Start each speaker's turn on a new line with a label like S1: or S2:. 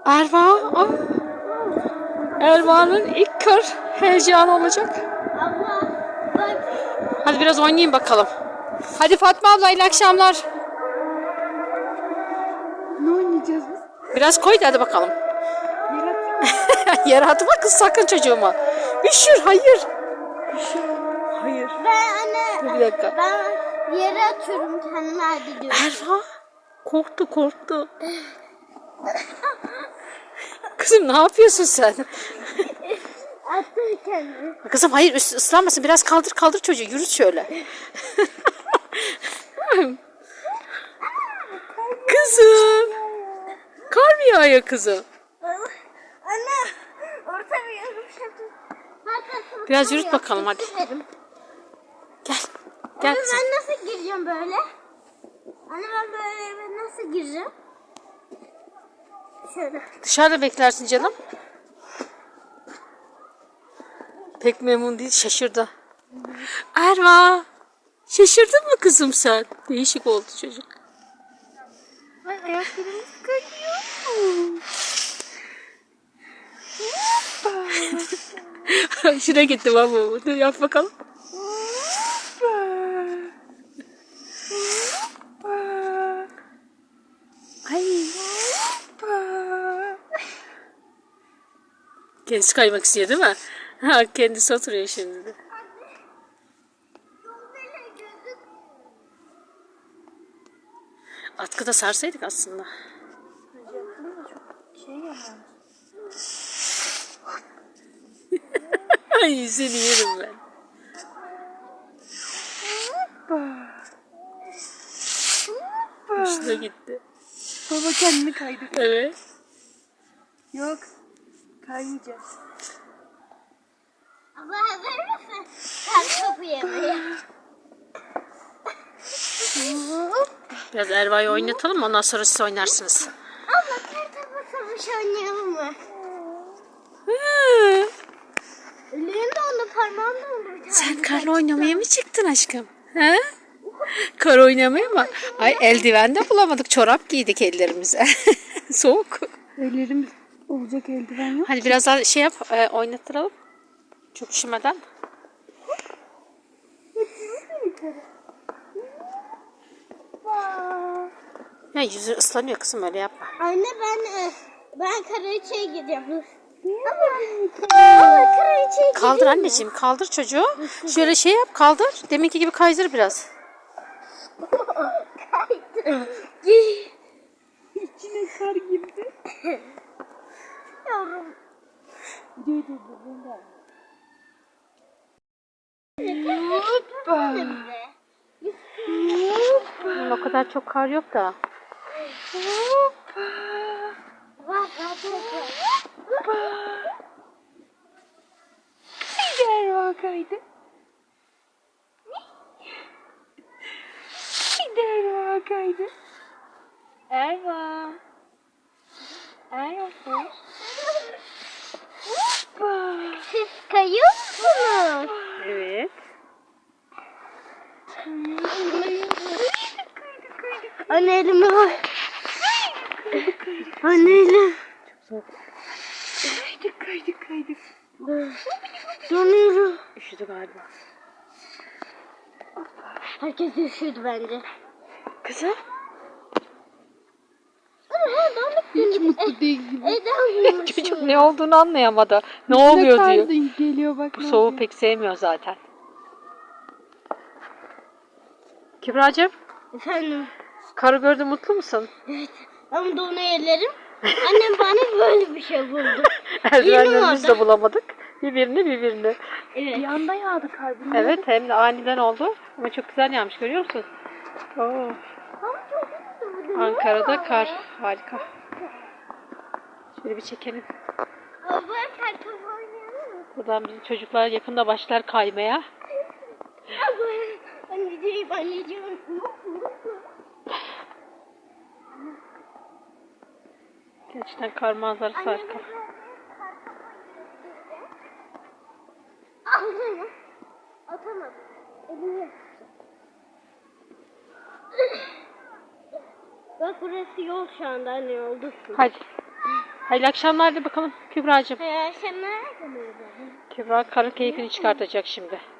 S1: Erva. Aa. Erva'nın ilk kar heyecanı olacak. Hadi biraz oynayayım bakalım. Hadi Fatma abla, iyi akşamlar.
S2: Ne oynayacağız biz?
S1: Biraz koy da hadi bakalım.
S2: Yarat.
S1: Yere atma kız sakın çocuğuma. Üşür, hayır.
S2: Hayır.
S3: Ben anne.
S1: Dur bir dakika.
S3: Ben yere atıyorum kendimi hadi diyorum.
S1: Erva korktu. Kızım ne yapıyorsun sen?
S3: Attım kendimi.
S1: Kızım hayır, ıslanmasın. Biraz kaldır çocuğu. Yürüt şöyle. Kızım. Kar mı yağıyor kızım?
S3: Anne. Orta bir yarım şatı.
S1: Biraz yürüt bakalım hadi. Gel. Gel
S3: Anne
S1: kızım.
S3: ben nasıl gireceğim böyle? Anne ben böyle eve nasıl gireceğim? Şöyle.
S1: Dışarıda beklersin canım. Pek memnun değil, şaşırdı. Erva. Şaşırdın mı kızım sen? Değişik oldu çocuk.
S3: Ay ayaklarımız kayıyor.
S1: Şuraya gitti baba. Dur yap bakalım. Ay. Kendisi kaymak istiyor değil mi? Ha, kendisi oturuyor şimdi de. Atkıda sarsaydık aslında. Ay seni yerim ben. Hoşuna gitti.
S2: Baba kendini kaydır.
S1: Evet.
S2: Yok. Kaymayacağız.
S3: Abla hazır mısın? Sen topu yemeye.
S1: Biraz Erva'yı oynatalım, ondan sonra siz oynarsınız.
S3: Abla kartopu savaşı oynayalım mı? Ellerimde onu parmağımda onu.
S1: Sen karla oynamaya mı çıktın aşkım? He? Kar oynamaya mı? Ay eldiven de bulamadık. Çorap giydik ellerimize. Soğuk.
S2: Ellerimiz olacak eldiven yok.
S1: Hadi biraz daha şey yap, oynattıralım. Çok üşümeden. Ya yüzü ıslanıyor kızım, öyle yapma.
S3: Anne ben kraliçeye gideceğim. Abla kraliçeye
S1: Kaldır anneciğim, kaldır çocuğu. Şöyle şey yap, kaldır. Deminki gibi kaydır biraz.
S2: İçine kar girdi.
S3: Yavrum.
S1: O kadar çok kar yok da.
S3: Bak
S2: Gider kaydı. Gider kaydı.
S1: Erva. Erva.
S3: siz kayıyor musunuz?
S1: Evet.
S3: Anne elime bak. Anne elim.
S2: Kaydık.
S3: Donuyorum.
S1: Üşüdü galiba.
S3: Herkes üşüdü bence.
S1: Kızım.
S2: Hiç mutlu değil gibi.
S1: Çocuk ne olduğunu anlayamadı. Ne oluyor
S2: kar
S1: diyor.
S2: geliyor bak.
S1: Bu soğuğu pek sevmiyor zaten. Kübra'cığım,
S3: Efendim.
S1: karı gördün, mutlu musun?
S3: Evet. Ama donu ellerim. Annem bana böyle bir şey buldu.
S1: Eldivenlerimizi de bulamadık. Birbirini.
S3: Evet.
S2: Bir anda yağdı kar.
S1: Evet, hem de aniden oldu. Ama çok güzel yağmış, görüyor musun? Oo.
S3: Ama çok güzel.
S1: Ankara'da kar. Harika. Şöyle bir çekelim.
S3: Abla kartopu oynayalım mı?
S1: Buradan bizim çocuklar yakında başlar kaymaya.
S3: Abla anneciğim.
S1: Gerçekten kar manzarası harika.
S3: Aldım. Atamadım. Elimi. Bak burası yol şu anda anne oldu.
S1: Hadi. Hayırlı akşamlar de bakalım Kübra'cığım.
S3: Akşamlar.
S1: Kübra karın keyfini çıkartacak şimdi.